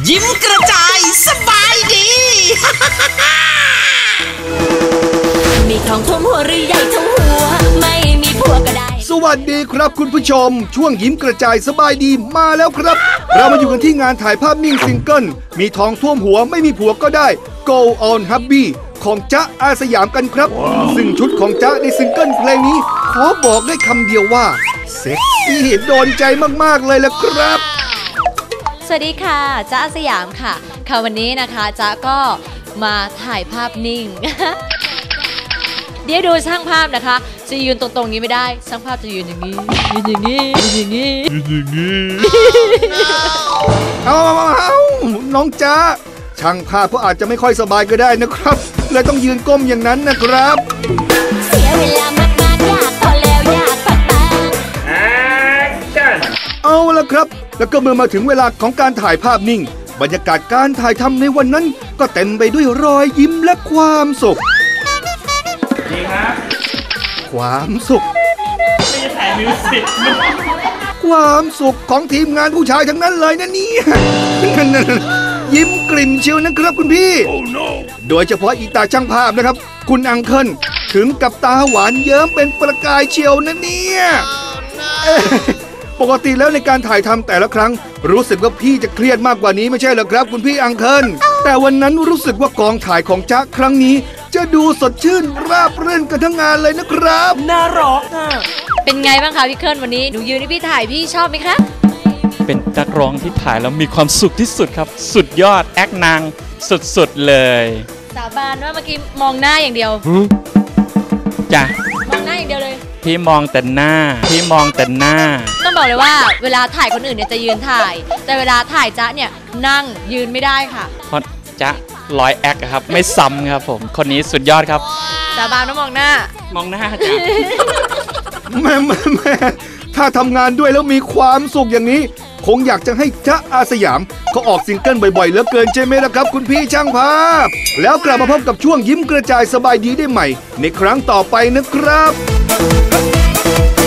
ยิ้มกระจายสบายดีมีทองท่วมหัวหรือใหญ่ท่วมหัวไม่มีผัวก็ได้สวัสดีครับคุณผู้ชมช่วงยิ้มกระจายสบายดีมาแล้วครับเรามาอยู่กันที่งานถ่ายภาพนิ่งซิงเกิลมีทองท่วมหัวไม่มีผัวก็ได้ Go on Hubby ของจ๊ะอาสยามกันครับ ซึ่งชุดของจ๊ะในซิงเกิลเพลงนี้ขอบอกได้คำเดียวว่าเซ็กซี่โดนใจมากๆเลยละครับสวัสดีค่ะจ๊ะอาสยามค่ะวันนี้นะคะจ๊ะก็มาถ่ายภาพนิ่ง เดี๋ยวดูช่างภาพนะคะจะยืนตรงๆนี้ไม่ได้ช่างภาพจะยืนอย่างนี้ยืนอย่างนี้ยืนอย่างนี้ยืนอย่างนี้เอาน้องจ๊ะช่างภาพเขาอาจจะไม่ค่อยสบายก็ได้นะครับเลยต้องยืนก้มอย่างนั้นนะครับเสียเวลามากๆอยากพอแล้วอยากพักบ้างเอาละครับแล้วก็เมื่อมาถึงเวลาของการถ่ายภาพนิ่งบรรยากาศการถ่ายทำในวันนั้นก็เต็มไปด้วยรอยยิ้มและความสุขดีครับความสุขไม่ได้ถ่ายมิวสิกความสุขของทีมงานผู้ชายทั้งนั้นเลยนะเนี่ยยิ้มกลิ่มเชียวนะครับคุณพี่ oh, no. โดยเฉพาะอีตาช่างภาพนะครับคุณอังเคิลถึงกับตาหวานเยิ้มเป็นประกายเชียวนะเนี่ย oh, no. ปกติแล้วในการถ่ายทำแต่ละครั้งรู้สึกว่าพี่จะเครียดมากกว่านี้ไม่ใช่เหรอครับคุณพี่อังเคิลแต่วันนั้นรู้สึกว่ากองถ่ายของจ๊ะครั้งนี้จะดูสดชื่นราบรื่นกันทั้งงานเลยนะครับน่ารักอ่ะเป็นไงบ้างคะพี่เคิลวันนี้หนูยืนให้พี่ถ่ายพี่ชอบไหมคะเป็นนักร้องที่ถ่ายแล้วมีความสุขที่สุดครับสุดยอดแอคนางสุดๆเลยสาบานว่าเมื่อกี้มองหน้าอย่างเดียวจ้ะมองหน้าอย่างเดียวเลยพี่มองแต่หน้าต้องบอกเลยว่าเวลาถ่ายคนอื่นเนี่ยจะยืนถ่ายแต่เวลาถ่ายจ๊ะเนี่ยนั่งยืนไม่ได้ค่ะเพราะจ๊ะร้อยแอคครับไม่ซ้ำครับผมคนนี้สุดยอดครับสาบานว่ามองหน้จ้ะแม่ถ้าทำงานด้วยแล้วมีความสุขอย่างนี้คงอยากจะให้จ๊ะอาสยามเขาออกซิงเกิลบ่อยๆเหลือเกินใช่ไหมล่ะครับคุณพี่ช่างภาพแล้วกลับมาพบกับช่วงยิ้มกระจายสบายดีได้ใหม่ในครั้งต่อไปนะครับ